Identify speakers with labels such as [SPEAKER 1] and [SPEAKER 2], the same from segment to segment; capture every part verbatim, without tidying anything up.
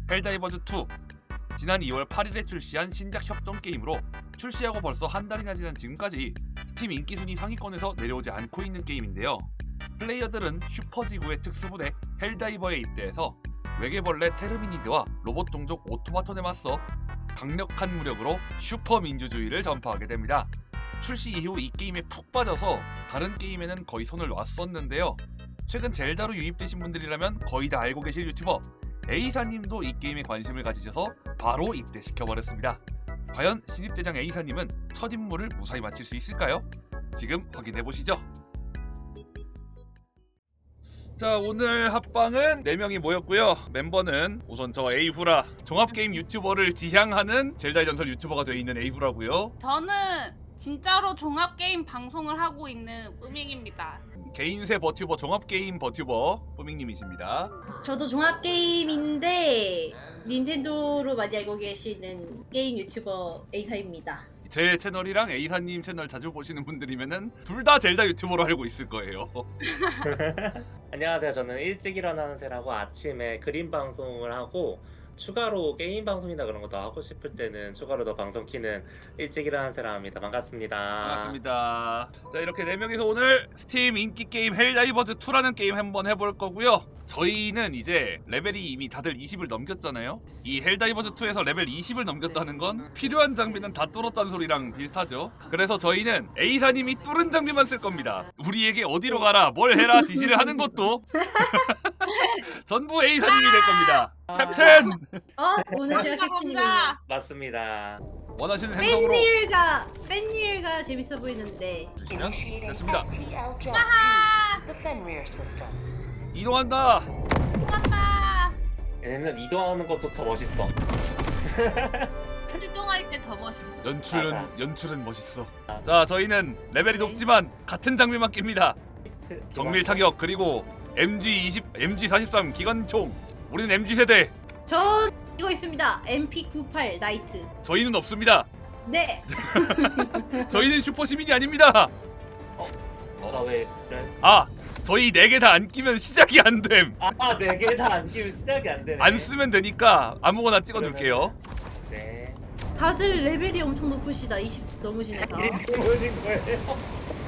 [SPEAKER 1] 헬다이버즈 투. 지난 이월 팔일에 출시한 신작 협동 게임으로 출시하고 벌써 한 달이나 지난 지금까지 스팀 인기순위 상위권에서 내려오지 않고 있는 게임인데요. 플레이어들은 슈퍼지구의 특수부대 헬다이버에 입대해서 외계벌레 테르미니드와 로봇 종족 오토마톤에 맞서 강력한 무력으로 슈퍼민주주의를 전파하게 됩니다. 출시 이후 이 게임에 푹 빠져서 다른 게임에는 거의 손을 놨었는데요. 최근 젤다로 유입되신 분들이라면 거의 다 알고 계실 유튜버 에이사님도 이 게임에 관심을 가지셔서 바로 입대시켜버렸습니다. 과연 신입대장 에이사님은 첫 임무를 무사히 마칠 수 있을까요? 지금 확인해보시죠. 자, 오늘 합방은 네 명이 모였고요. 멤버는 우선 저 에이후라, 종합게임 유튜버를 지향하는 젤다의 전설 유튜버가 되어 있는 에이후라고요.
[SPEAKER 2] 저는 진짜로 종합게임 방송을 하고 있는 뿌밍입니다.
[SPEAKER 1] 개인세 버튜버, 종합게임 버튜버 뿌밍님이십니다.
[SPEAKER 3] 저도 종합게임인데 닌텐도로 많이 알고 계시는 게임 유튜버 에이사입니다.
[SPEAKER 1] 제 채널이랑 에이사님 채널 자주 보시는 분들이면은 둘 다 젤다 유튜버로 알고 있을 거예요.
[SPEAKER 4] 안녕하세요. 저는 일찍 일어나는 새라고 아침에 그림 방송을 하고 추가로 게임 방송이나 그런 거 더 하고 싶을 때는 추가로 더 방송 키는 일찍 일어나는 새라 합니다. 반갑습니다.
[SPEAKER 1] 반갑습니다. 자, 이렇게 네 명이서 오늘 스팀 인기 게임 헬다이버즈 투라는 게임 한번 해볼 거고요. 저희는 이제 레벨이 이미 다들 이십을 넘겼잖아요. 이 헬다이버즈 투에서 레벨 이십을 넘겼다는 건 필요한 장비는 다 뚫었다는 소리랑 비슷하죠. 그래서 저희는 A사님이 뚫은 장비만 쓸 겁니다. 우리에게 어디로 가라, 뭘 해라 지시를 하는 것도 전부 A사님이 될 겁니다. 캡틴!
[SPEAKER 3] 어? 오늘 제가
[SPEAKER 2] 혼자
[SPEAKER 3] 캡틴이군요.
[SPEAKER 2] 혼자.
[SPEAKER 4] 맞습니다.
[SPEAKER 1] 원하시는 행동으로
[SPEAKER 3] 팬일가 팬일가 재밌어 보이는데
[SPEAKER 1] 주시면 됐습니다.
[SPEAKER 2] 하하!
[SPEAKER 1] 이동한다!
[SPEAKER 2] 끝났다.
[SPEAKER 4] 얘네는 이동하는 것조차 멋있어.
[SPEAKER 2] 출동할 때 더 멋있어.
[SPEAKER 1] 연출은
[SPEAKER 4] 맞아.
[SPEAKER 1] 연출은 멋있어. 자, 저희는 레벨이 높지만 같은 장비만 낍니다. 정밀 타격 그리고 엠지 이십, 엠지 사십삼 기관총. 우리는 엠지 세대.
[SPEAKER 3] 전 이거 있습니다. 엠피 구십팔 나이트.
[SPEAKER 1] 저희는 없습니다.
[SPEAKER 3] 네.
[SPEAKER 1] 저희는 슈퍼 시민이 아닙니다.
[SPEAKER 4] 너가 왜 그래?
[SPEAKER 1] 아, 저희 네 개 다 안 끼면 시작이 안 됨.
[SPEAKER 4] 아, 네 개 다 안 끼면 시작이 안 되네.
[SPEAKER 1] 안 쓰면 되니까 아무거나 찍어둘게요.
[SPEAKER 4] 네.
[SPEAKER 3] 다들 레벨이 엄청 높으시다. 이십 넘으시네 다.
[SPEAKER 4] 이렇게 보신 거예요?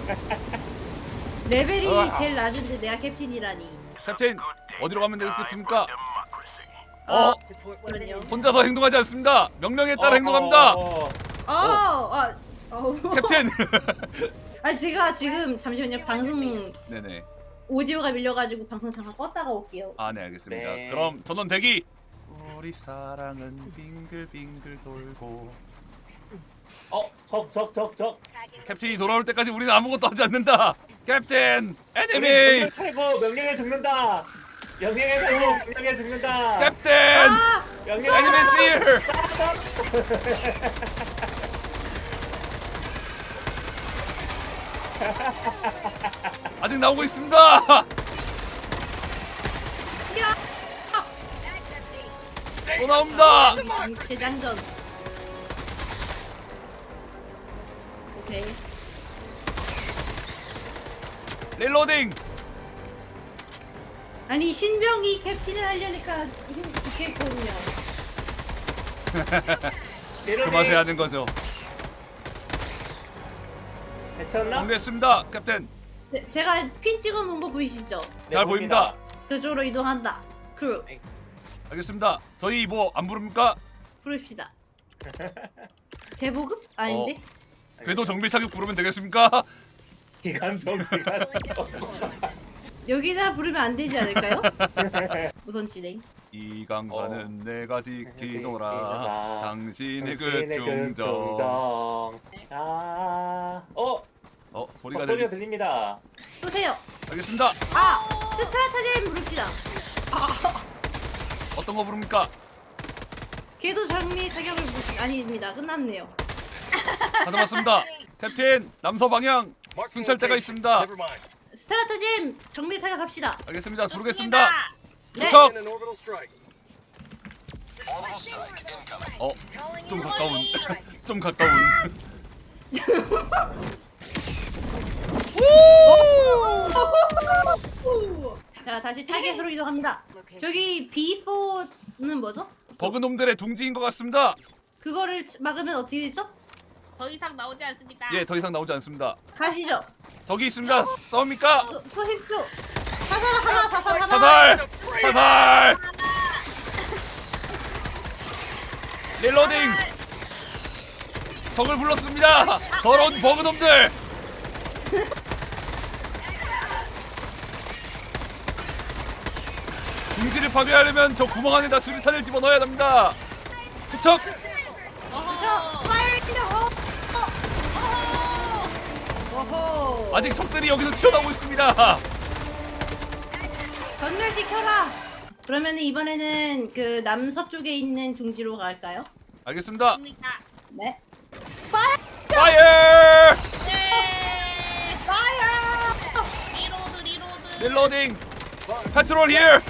[SPEAKER 3] 레벨이
[SPEAKER 1] 우와.
[SPEAKER 3] 제일 낮은데 내가 캡틴이라니.
[SPEAKER 1] 캡틴, 어디로 가면 되겠습니까? 어,
[SPEAKER 3] 그럼요.
[SPEAKER 1] 혼자서 행동하지 않습니다. 명령에 따라 행동합니다.
[SPEAKER 4] 어,
[SPEAKER 3] 아, 아, 어.
[SPEAKER 1] 캡틴.
[SPEAKER 3] 아 제가 지금 잠시만요. 방송
[SPEAKER 1] 네네.
[SPEAKER 3] 오디오가 밀려가지고 방송 잠깐 껐다가 올게요.
[SPEAKER 1] 아, 네, 알겠습니다.
[SPEAKER 4] 네.
[SPEAKER 1] 그럼 전원 대기. 우리 사랑은 빙글빙글 돌고.
[SPEAKER 4] 어, 적, 적, 적, 적.
[SPEAKER 1] 캡틴이 돌아올 때까지 우리는 아무것도 하지 않는다. 캡틴,
[SPEAKER 4] 우리
[SPEAKER 1] 에니미.
[SPEAKER 4] 탈고 명령에 죽는다. 명령에 탈고 명령에 죽는다.
[SPEAKER 1] 캡틴,
[SPEAKER 3] 아,
[SPEAKER 4] 명령에
[SPEAKER 1] 에니미 실. 아직 나오고 있습니다.
[SPEAKER 3] 야,
[SPEAKER 1] 또 나옵니다.
[SPEAKER 3] 재장전. 오케이.
[SPEAKER 1] 릴로딩.
[SPEAKER 3] 아니 신병이 캡틴을 하려니까 힘 좋겠거든요.
[SPEAKER 1] 그 맛에 하는 거죠.
[SPEAKER 4] 해쳤나?
[SPEAKER 1] 정리했습니다, 캡틴.
[SPEAKER 3] 네, 제가 핀 찍어놓은 거 보이시죠?
[SPEAKER 4] 네,
[SPEAKER 1] 잘 보입니다.
[SPEAKER 3] 그쪽으로 이동한다. 크루
[SPEAKER 1] 알겠습니다. 저희 뭐 안 부릅니까?
[SPEAKER 3] 부릅시다. 재보급? 아닌데?
[SPEAKER 1] 궤도 정밀 타격 부르면 되겠습니까?
[SPEAKER 4] 기관총, 기관총.
[SPEAKER 3] 여기다 부르면 안 되지 않을까요? 우선 진행.
[SPEAKER 1] 이 강사는
[SPEAKER 4] 어.
[SPEAKER 1] 내가 지키노라.
[SPEAKER 4] 지키노라.
[SPEAKER 1] 당신의 그
[SPEAKER 4] 당신의 그
[SPEAKER 1] 중정.
[SPEAKER 4] 중정. 아, 어,
[SPEAKER 1] 어, 소리가
[SPEAKER 4] 소리가
[SPEAKER 1] 들리.
[SPEAKER 4] 들립니다.
[SPEAKER 3] 쏘세요.
[SPEAKER 1] 알겠습니다.
[SPEAKER 3] 아! 스트라타잼 부릅시다.
[SPEAKER 1] 어떤 거 부릅니까?
[SPEAKER 3] 궤도 장미 타격을 부릅시다. 아닙니다. 끝났네요.
[SPEAKER 1] 다 잡았습니다. 캡틴, 남서 방향 순찰대가 있습니다.
[SPEAKER 3] 스트라타잼 정밀 타격합시다.
[SPEAKER 1] 알겠습니다. 부르겠습니다.
[SPEAKER 3] 네.
[SPEAKER 1] 투척. 어, 좀 가까운. 좀 가까운.
[SPEAKER 3] 자 다시 타겟으로 이동합니다. 저기 비 포는 뭐죠?
[SPEAKER 1] 버그놈들의 둥지인 것 같습니다.
[SPEAKER 3] 그거를 막으면 어떻게 되죠?
[SPEAKER 2] 더 이상 나오지 않습니다.
[SPEAKER 1] 예, 더 이상 나오지 않습니다.
[SPEAKER 3] 가시죠.
[SPEAKER 1] 저기 있습니다. 싸웁니까?
[SPEAKER 3] 쏘- 쏘십시오. 사살 하나, 사살 하나.
[SPEAKER 1] 사살! 사살! 릴로딩! 적을 불렀습니다. 더러운 버그놈들. 둥지를 파괴하려면 저 구멍 안에다 수류탄을 집어넣어야 합니다. 투척!
[SPEAKER 2] 어허.
[SPEAKER 3] 파이어 키려. 오호.
[SPEAKER 1] 아직 적들이 여기서 튀어나오고 있습니다.
[SPEAKER 3] 전멸시켜라. 그러면 이번에는 그 남서쪽에 있는 둥지로 갈까요?
[SPEAKER 1] 알겠습니다.
[SPEAKER 2] 입니다.
[SPEAKER 3] 네.
[SPEAKER 1] 파이어!
[SPEAKER 2] 예.
[SPEAKER 3] 파이어.
[SPEAKER 2] 리로드 리로드.
[SPEAKER 1] 릴로딩! 페트롤 히어!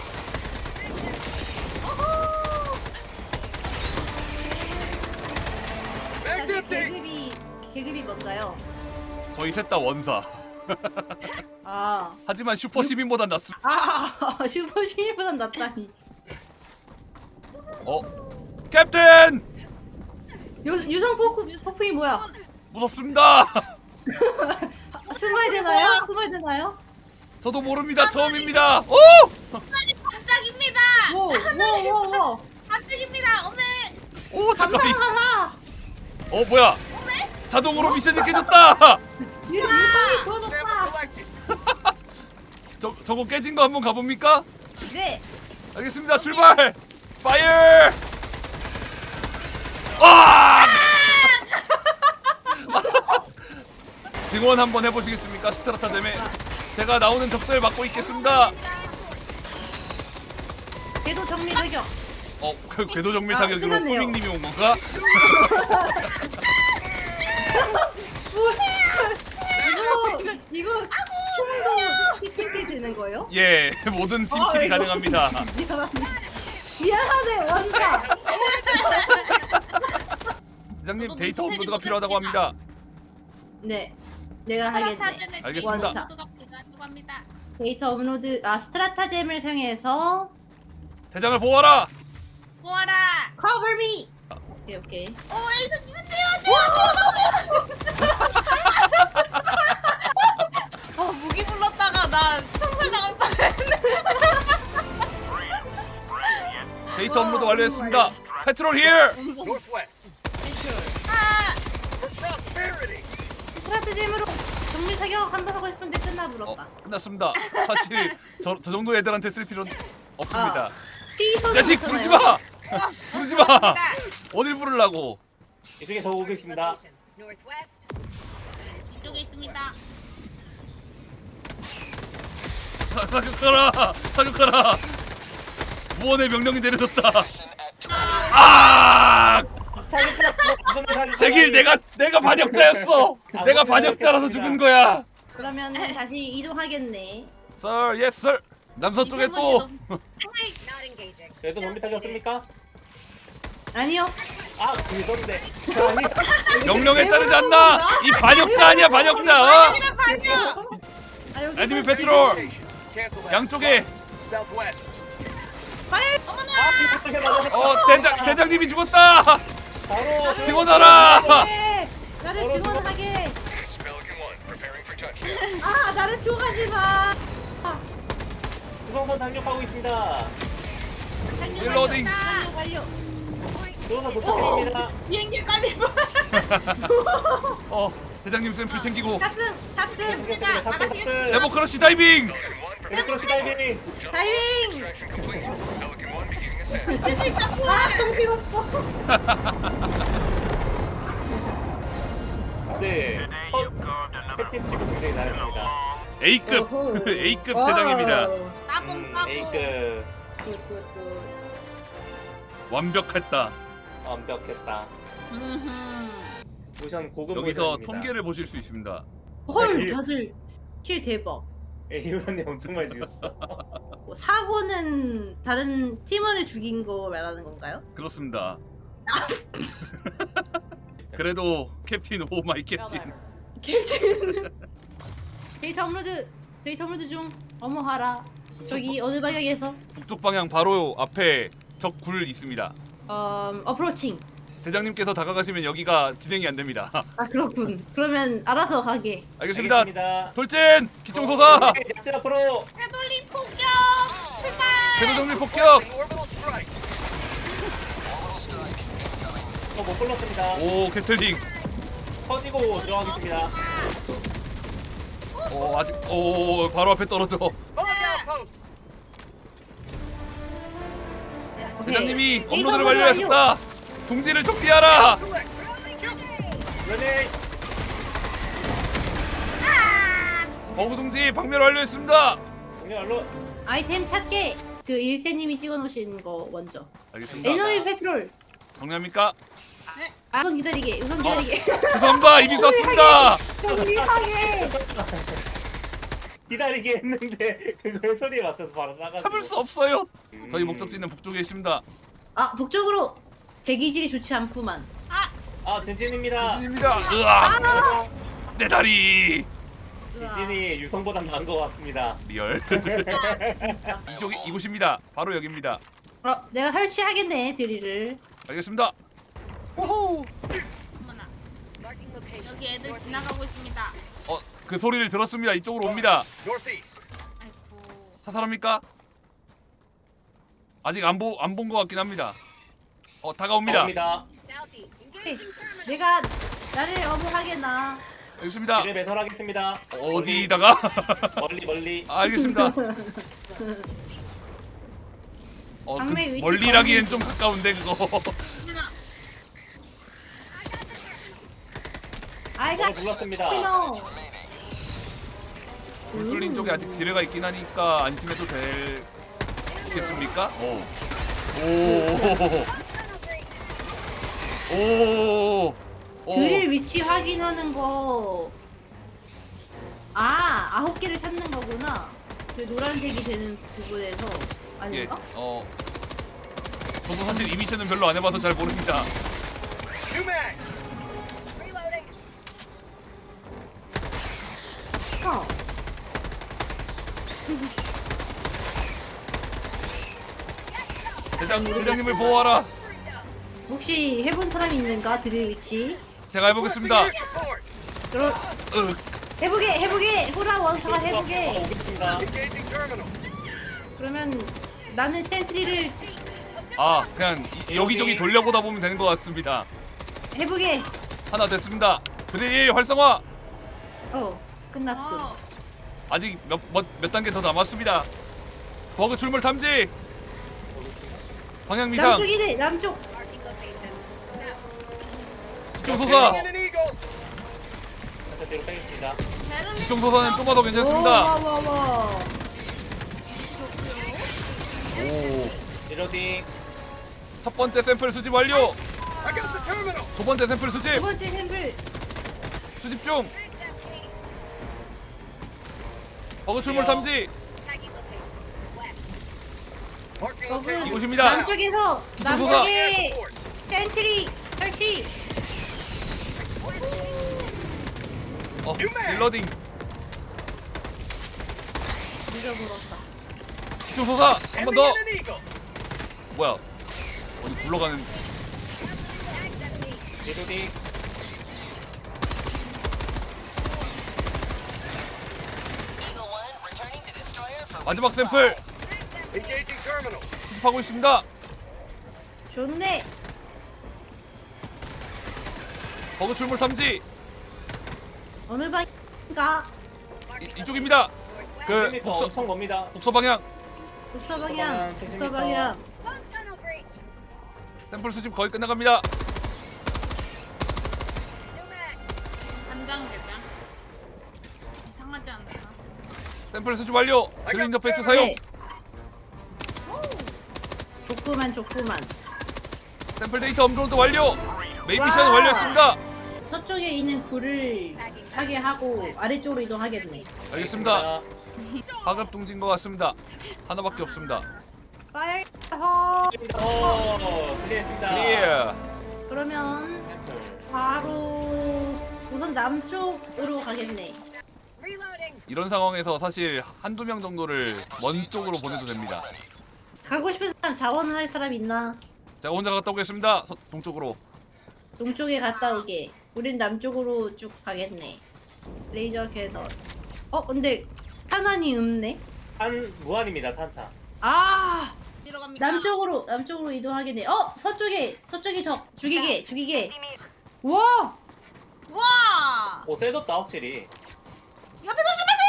[SPEAKER 3] 사실 계급이 계급이 뭔가요?
[SPEAKER 1] 저희 셋 다 원사.
[SPEAKER 3] 아,
[SPEAKER 1] 하지만 슈퍼 시민보단 낫습니다.
[SPEAKER 3] 아 슈퍼 신이보단 낫다니.
[SPEAKER 1] 어? 캡틴!
[SPEAKER 3] 유 유성 포크 폭풍이 뭐야?
[SPEAKER 1] 무섭습니다.
[SPEAKER 3] 숨어야 되나요? 숨어야 되나요?
[SPEAKER 1] 저도 모릅니다. 처음입니다. 오!
[SPEAKER 2] 깜짝입니다.
[SPEAKER 3] 오오오오
[SPEAKER 2] 깜짝입니다. 어메.
[SPEAKER 1] 오 잠깐.
[SPEAKER 3] 감상하라.
[SPEAKER 1] 어 뭐야? 자동으로 미션이 깨졌다.
[SPEAKER 3] 유 유성이 더 높다.
[SPEAKER 1] 저 저거 깨진 거 한번 가봅니까?
[SPEAKER 3] 네.
[SPEAKER 1] 알겠습니다. 출발. 파이어! 아! 증원 한번 해보시겠습니까, 스트라타제메? 제가 나오는 적들 막고 있겠습니다.
[SPEAKER 3] 궤도 정밀 타격.
[SPEAKER 1] 어, 그 궤도 정밀
[SPEAKER 3] 아,
[SPEAKER 1] 타격으로
[SPEAKER 3] 끝났네요.
[SPEAKER 1] 호밍님이 온 건가?
[SPEAKER 3] 이거 이거 총도 피팅이 되는 거예요?
[SPEAKER 1] 예, 모든 팀킬이
[SPEAKER 3] 이거-
[SPEAKER 1] 가능합니다.
[SPEAKER 3] 미안합니다. 미안하네 원사.
[SPEAKER 1] 부장님
[SPEAKER 2] 저도
[SPEAKER 1] 데이터
[SPEAKER 2] 눈치
[SPEAKER 1] 업로드가
[SPEAKER 2] 채지
[SPEAKER 1] 필요하다고 합니다.
[SPEAKER 3] 네, 내가 하겠네.
[SPEAKER 2] 스트라타제메
[SPEAKER 1] 알겠습니다.
[SPEAKER 2] 업로드가 필요하다고 합니다.
[SPEAKER 3] 데이터 업로드 아 스트라타잼을 사용해서
[SPEAKER 1] 대장을 보아라.
[SPEAKER 2] 보아라.
[SPEAKER 3] cover me. 오케이 오케이.
[SPEAKER 2] 오 에이스님 안돼요 안돼요 안돼요. 아 무기 불렀다가 나 총살 당할 뻔했네.
[SPEAKER 1] 데이터 업로드 완료했습니다. 페트롤 히어.
[SPEAKER 2] 아
[SPEAKER 3] 스트라타잼으로 정밀 사격 한 번 하고 싶은데 끝나
[SPEAKER 1] 어,
[SPEAKER 3] 불었다.
[SPEAKER 1] 끝났습니다. 사실 저, 저 정도 애들한테 쓸 필요는 없습니다.
[SPEAKER 3] 아. 피소는
[SPEAKER 1] 자식 부르지 마. 부르지 마. 어딜 부르려고?
[SPEAKER 4] 이쪽에 저 오고 있습니다.
[SPEAKER 2] 이쪽에 있습니다.
[SPEAKER 1] 사- 사격하라. 사격하라. 무언의 명령이 내려졌다. 아! 제 길 내가 내가 반역자였어. 내가 반역자라서 죽은 거야.
[SPEAKER 3] 그러면 다시 이동하겠네.
[SPEAKER 1] Sir, yes sir. 남서쪽에 또
[SPEAKER 4] 그래도 좀비 타격습니까?
[SPEAKER 3] 아니요.
[SPEAKER 4] 아, 그건데.
[SPEAKER 1] 명령에 따르지 않나? 이 반역자 아니야 반역자. 어?
[SPEAKER 3] 아, 여기
[SPEAKER 1] 애니미
[SPEAKER 3] 서-
[SPEAKER 1] 페트롤 양쪽에
[SPEAKER 3] 파이어.
[SPEAKER 4] 아, 그렇게 맞아.
[SPEAKER 1] 어 대장 대장님이 죽었다.
[SPEAKER 4] 바로
[SPEAKER 1] 증언하라.
[SPEAKER 3] 네, 나를 증언하게. 아, 나를 쪼가지 마. 아,
[SPEAKER 4] 구성선 당력하고 있습니다.
[SPEAKER 1] 릴로딩.
[SPEAKER 3] 완료 완료.
[SPEAKER 4] 구성선 도착입니다.
[SPEAKER 2] 비행기 깔리면
[SPEAKER 1] 어 대장님 샘플 챙기고
[SPEAKER 3] 탑승 탑승
[SPEAKER 4] 탑승, 탑승.
[SPEAKER 1] 레버 크러쉬 다이빙.
[SPEAKER 4] 레버크러시 다이빙.
[SPEAKER 3] 다이빙. 아, 정신 없어.
[SPEAKER 4] 네. 첫 캡틴 치고 굉장히 잘했습니다.
[SPEAKER 1] A급
[SPEAKER 3] 오호.
[SPEAKER 1] A급
[SPEAKER 3] 와우.
[SPEAKER 1] 대장입니다.
[SPEAKER 2] 따봉
[SPEAKER 4] 음,
[SPEAKER 2] 따봉.
[SPEAKER 4] A급
[SPEAKER 3] 굿굿굿.
[SPEAKER 1] 완벽했다.
[SPEAKER 4] 완벽했다.
[SPEAKER 2] 음흠.
[SPEAKER 4] 모션 고급
[SPEAKER 1] 여기서
[SPEAKER 4] 모션입니다.
[SPEAKER 1] 통계를 보실 수 있습니다.
[SPEAKER 3] 헐,
[SPEAKER 4] 네.
[SPEAKER 3] 다들 킬 대박.
[SPEAKER 4] 에이원이 엄청 많이 죽였어.
[SPEAKER 3] 뭐, 사고는 다른 팀원을 죽인 거 말하는 건가요?
[SPEAKER 1] 그렇습니다. 그래도 캡틴 오 마이 캡틴.
[SPEAKER 3] 캡틴. 데이터 업로드. 데이터 업로드 중. 어머하라. 저기 어느 방향에서?
[SPEAKER 1] 북쪽 방향 바로 앞에 적 굴 있습니다.
[SPEAKER 3] 어, 어프로칭.
[SPEAKER 1] 대장님께서 다가가시면 여기가 진행이 안 됩니다.
[SPEAKER 3] 아 그렇군. 그러면 알아서 가게.
[SPEAKER 1] 알겠습니다.
[SPEAKER 4] 알겠습니다.
[SPEAKER 1] 돌진! 기총소사!
[SPEAKER 4] 약진 앞으로.
[SPEAKER 2] 되돌림 폭격. 출발.
[SPEAKER 1] 궤도정리 폭격!
[SPEAKER 4] 어, 못 불렀습니다.
[SPEAKER 1] 오 게틀링.
[SPEAKER 4] 터지고 들어가겠습니다.
[SPEAKER 1] 오 아직 오 바로 앞에 떨어져.
[SPEAKER 3] 오케이.
[SPEAKER 1] 대장님이
[SPEAKER 3] 데이터
[SPEAKER 1] 업로드를
[SPEAKER 3] 완료.
[SPEAKER 1] 완료하셨다. 둥지를 정비하라.
[SPEAKER 4] 그러네.
[SPEAKER 1] 버그 둥지 박멸 완료했습니다.
[SPEAKER 4] 동료 얼로.
[SPEAKER 3] 아이템 찾게. 그 일세님이 찍어놓으신 거 먼저.
[SPEAKER 1] 알겠습니다.
[SPEAKER 3] 에너지 페트롤.
[SPEAKER 1] 정리합니까?
[SPEAKER 3] 아, 우선 기다리게. 우선 기다리게.
[SPEAKER 1] 죄송합니다. 이미 썼습니다.
[SPEAKER 3] 정리하게.
[SPEAKER 4] 기다리게 했는데 그걸 소리에 맞춰서 바로 나가.
[SPEAKER 1] 참을 수 없어요. 저희 목적지는 북쪽에 있습니다.
[SPEAKER 3] 아 북쪽으로. 대기질이 좋지 않구만.
[SPEAKER 2] 아,
[SPEAKER 4] 아 진진입니다.
[SPEAKER 1] 지진입니다. 으악! 내 다리.
[SPEAKER 4] 진진이 유성보다 나은 것 같습니다.
[SPEAKER 1] 리얼. 이쪽이 이곳입니다. 바로 여기입니다.
[SPEAKER 3] 어, 내가 설치하겠네 드릴을.
[SPEAKER 1] 알겠습니다. 호호.
[SPEAKER 2] 어머나. 여기 애들 지나가고 있습니다.
[SPEAKER 1] 어, 그 소리를 들었습니다. 이쪽으로 옵니다.
[SPEAKER 2] 아이고.
[SPEAKER 1] 사살합니까? 아직 안 보 안 본 것 같긴 합니다. 어, 다가옵니다.
[SPEAKER 4] 갑니다.
[SPEAKER 3] 네, 내가 나를 어부하겠나.
[SPEAKER 1] 알겠습니다.
[SPEAKER 4] 길을 배설하겠습니다.
[SPEAKER 1] 어디다가?
[SPEAKER 4] 멀리 멀리.
[SPEAKER 1] 아, 알겠습니다. 어, 그
[SPEAKER 3] 방매 위치
[SPEAKER 1] 멀리라기엔 좀 가까운데 그거.
[SPEAKER 2] 어머나.
[SPEAKER 3] 아이가
[SPEAKER 4] 저를 불렀습니다.
[SPEAKER 3] 피노.
[SPEAKER 1] 불 뚫린 쪽에 아직 지뢰가 있긴 하니까 안심해도 되겠습니까? 오. 오. 오. 오.
[SPEAKER 3] 드릴 위치 확인하는 거. 아 아홉 개를 찾는 거구나. 그 노란색이 되는 부분에서
[SPEAKER 1] 예.
[SPEAKER 3] 아닌가?
[SPEAKER 1] 어. 저도 사실 이 미션은 별로 안 해봐서 잘 모릅니다.
[SPEAKER 3] 어.
[SPEAKER 1] 대장 대장님을 보호하라.
[SPEAKER 3] 혹시 해본 사람 있는가 드릴 위치?
[SPEAKER 1] 제가 해보겠습니다.
[SPEAKER 3] 그럼
[SPEAKER 1] 으.
[SPEAKER 3] 해보게 해보게 호라 원사가 해보게.
[SPEAKER 4] 오겠습니다.
[SPEAKER 3] 그러면 나는 센트리를
[SPEAKER 1] 아, 그냥 이- 여기저기 돌려보다 보면 되는 것 같습니다.
[SPEAKER 3] 해보게.
[SPEAKER 1] 하나 됐습니다. 드릴 활성화.
[SPEAKER 3] 어 끝났군.
[SPEAKER 2] 어.
[SPEAKER 1] 아직 몇, 몇, 몇 단계 더 남았습니다. 버그 출몰 탐지. 방향 미상.
[SPEAKER 3] 남쪽이네 남쪽.
[SPEAKER 1] 이쪽 소사.
[SPEAKER 4] 살짝 뒤로 빼겠습니다.
[SPEAKER 2] 베를린
[SPEAKER 1] 이쪽 소사는 좀 더 괜찮습니다.
[SPEAKER 3] 와와와.
[SPEAKER 1] 오.
[SPEAKER 4] 리로딩.
[SPEAKER 1] 첫 번째 샘플 수집 완료. 두 번째 샘플
[SPEAKER 3] 두
[SPEAKER 1] 수집.
[SPEAKER 3] 번째 샘플.
[SPEAKER 1] 수집 중. 버그 출몰 탐지.
[SPEAKER 3] 저분
[SPEAKER 1] 이곳입니다.
[SPEAKER 3] 남쪽에서
[SPEAKER 1] 이쪽
[SPEAKER 3] 남쪽에 센트리 설치.
[SPEAKER 1] 어, 딜러딩.
[SPEAKER 3] 늦어버렸다.
[SPEAKER 1] 이쪽 소사 한 번 더. 뭐야? 어디 굴러가는?
[SPEAKER 4] 리로딩.
[SPEAKER 1] 마지막 샘플 수집하고 있습니다.
[SPEAKER 3] 좋네.
[SPEAKER 1] 버그 출몰 탐지.
[SPEAKER 3] 어느 방인가?
[SPEAKER 1] 이, 이쪽입니다. 그
[SPEAKER 4] 그
[SPEAKER 1] 북서
[SPEAKER 4] 엄청 멉니다.
[SPEAKER 1] 북서 방향.
[SPEAKER 3] 북서 방향.
[SPEAKER 4] 북서
[SPEAKER 3] 북서 방향.
[SPEAKER 1] 샘플 수집 거의 끝나갑니다.
[SPEAKER 2] 간장 게장. 이상하지 않나?
[SPEAKER 1] 샘플 수집 완료. 글 인터페이스 사용.
[SPEAKER 3] 네. 좋구만 좋구만.
[SPEAKER 1] 샘플 데이터 업로드 완료. 메인 미션
[SPEAKER 3] 와.
[SPEAKER 1] 완료했습니다.
[SPEAKER 3] 서쪽에 있는 굴을 하게 하고 아래쪽으로 이동하겠네.
[SPEAKER 1] 알겠습니다. 하급 둥지인 것 같습니다. 하나밖에 없습니다.
[SPEAKER 3] 파이어 허.
[SPEAKER 4] 오, 클리어했습니다.
[SPEAKER 1] 예.
[SPEAKER 3] 그러면 바로 우선 남쪽으로 가겠네.
[SPEAKER 1] 이런 상황에서 사실 한두 명 정도를 먼 쪽으로 보내도 됩니다.
[SPEAKER 3] 가고 싶은 사람 자원할 사람 있나?
[SPEAKER 1] 자 혼자 갔다 오겠습니다. 서, 동쪽으로.
[SPEAKER 3] 동쪽에 갔다 오게. 우린 남쪽으로 쭉 가겠네. 레이저 캐논. 어 근데 탄환이 없네.
[SPEAKER 4] 탄 무한입니다 탄차.
[SPEAKER 3] 아
[SPEAKER 2] 뒤로 갑니다.
[SPEAKER 3] 남쪽으로 남쪽으로 이동하겠네. 어 서쪽에 서쪽에 적 죽이게 죽이게. 와
[SPEAKER 2] 와.
[SPEAKER 4] 오 세졌다 확실히.
[SPEAKER 2] 옆에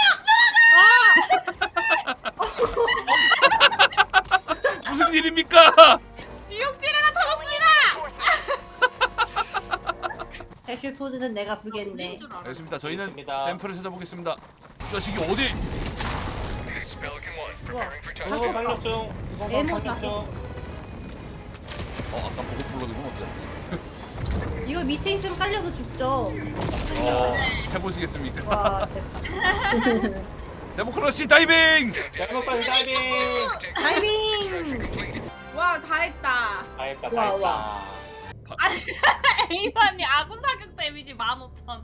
[SPEAKER 2] 조심하세요.
[SPEAKER 1] 무슨 일입니까?
[SPEAKER 2] 지옥지뢰가 터졌습니다.
[SPEAKER 3] 해슐포드는 내가 부르겠네.
[SPEAKER 2] 우린 줄 알아.
[SPEAKER 1] 알겠습니다. 저희는
[SPEAKER 4] 알겠습니다.
[SPEAKER 1] 샘플을 찾아보겠습니다. 이 자식이 어디?
[SPEAKER 3] 우와
[SPEAKER 4] 이번 방역 중. 이번
[SPEAKER 3] 에모
[SPEAKER 4] 방역
[SPEAKER 3] 다
[SPEAKER 4] 중.
[SPEAKER 1] 어 아까 보고 불러둔 건 어디 갔지?
[SPEAKER 3] 이거 밑에 있으면 깔려서 죽죠.
[SPEAKER 1] 어 해보시겠습니까?
[SPEAKER 3] 와 됐다.
[SPEAKER 1] 데모크라시 다이빙!
[SPEAKER 4] 잘못까지 다이빙.
[SPEAKER 3] 다이빙.
[SPEAKER 2] 와, 다 했다.
[SPEAKER 4] 다 했다 다
[SPEAKER 3] 와,
[SPEAKER 4] 했다.
[SPEAKER 3] 와.
[SPEAKER 2] 에이반이 아군 사격 데미지 만 오천.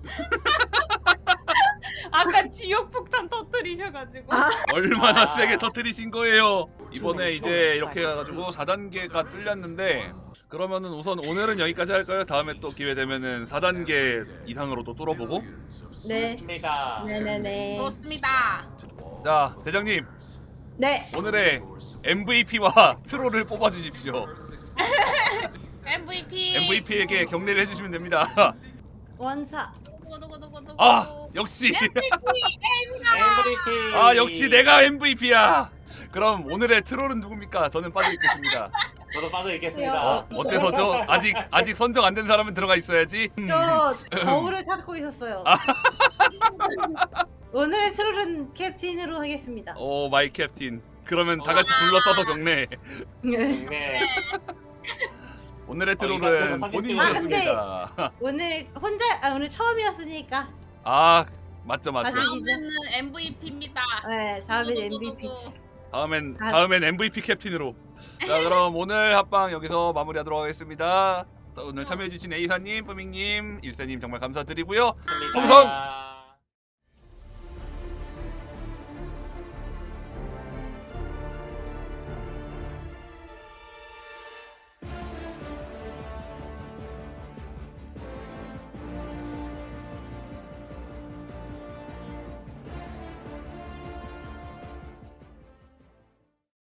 [SPEAKER 2] 아까 지옥 폭탄 터뜨리셔가지고.
[SPEAKER 3] 아.
[SPEAKER 1] 얼마나
[SPEAKER 4] 아.
[SPEAKER 1] 세게 터뜨리신 거예요? 이번에 이제 이렇게 해가지고 사 단계가 뚫렸는데 그러면은 우선 오늘은 여기까지 할까요? 다음에 또 기회 되면은 사 단계 이상으로 또 뚫어보고.
[SPEAKER 3] 네.
[SPEAKER 4] 좋습니다.
[SPEAKER 3] 네네네.
[SPEAKER 2] 좋습니다.
[SPEAKER 1] 자 대장님
[SPEAKER 3] 네.
[SPEAKER 1] 오늘의 엠브이피와 트롤을 뽑아주십시오.
[SPEAKER 2] 엠브이피.
[SPEAKER 1] 엠브이피에게 경례를 해주시면 됩니다.
[SPEAKER 3] 원사.
[SPEAKER 2] 누구누구누구누구.
[SPEAKER 1] 아 역시
[SPEAKER 2] 엠브이피.
[SPEAKER 4] 엠브이피.
[SPEAKER 1] 아 역시 내가 엠브이피야. 그럼 오늘의 트롤은 누굽니까? 저는 빠져 있겠습니다.
[SPEAKER 4] 저도 빠져 있겠습니다.
[SPEAKER 1] 어, 어째서죠? 아직 아직 선정 안 된 사람은 들어가 있어야지. 음.
[SPEAKER 3] 저 거울을 찾고 있었어요. 오늘의 트롤은 캡틴으로 하겠습니다.
[SPEAKER 1] 오 마이 캡틴. 그러면 다 같이 둘러싸서 경례.
[SPEAKER 3] 네.
[SPEAKER 4] 네.
[SPEAKER 1] 오늘의
[SPEAKER 4] 어,
[SPEAKER 1] 트롤은
[SPEAKER 4] 이거
[SPEAKER 1] 본인이셨습니다.
[SPEAKER 3] 오늘 혼자 아 오늘 처음이었으니까.
[SPEAKER 1] 아 맞죠 맞죠.
[SPEAKER 3] 맞아.
[SPEAKER 2] 다음에는 엠브이피입니다.
[SPEAKER 3] 네, 다음엔 엠브이피.
[SPEAKER 1] 다음엔
[SPEAKER 3] 아.
[SPEAKER 1] 다음엔 엠브이피 캡틴으로. 자 그럼 오늘 합방 여기서 마무리하도록 하겠습니다. 자, 오늘 참여해주신 에이사님, 뿌밍님, 일세님 정말 감사드리고요.
[SPEAKER 4] 좋습니다.
[SPEAKER 1] 풍선!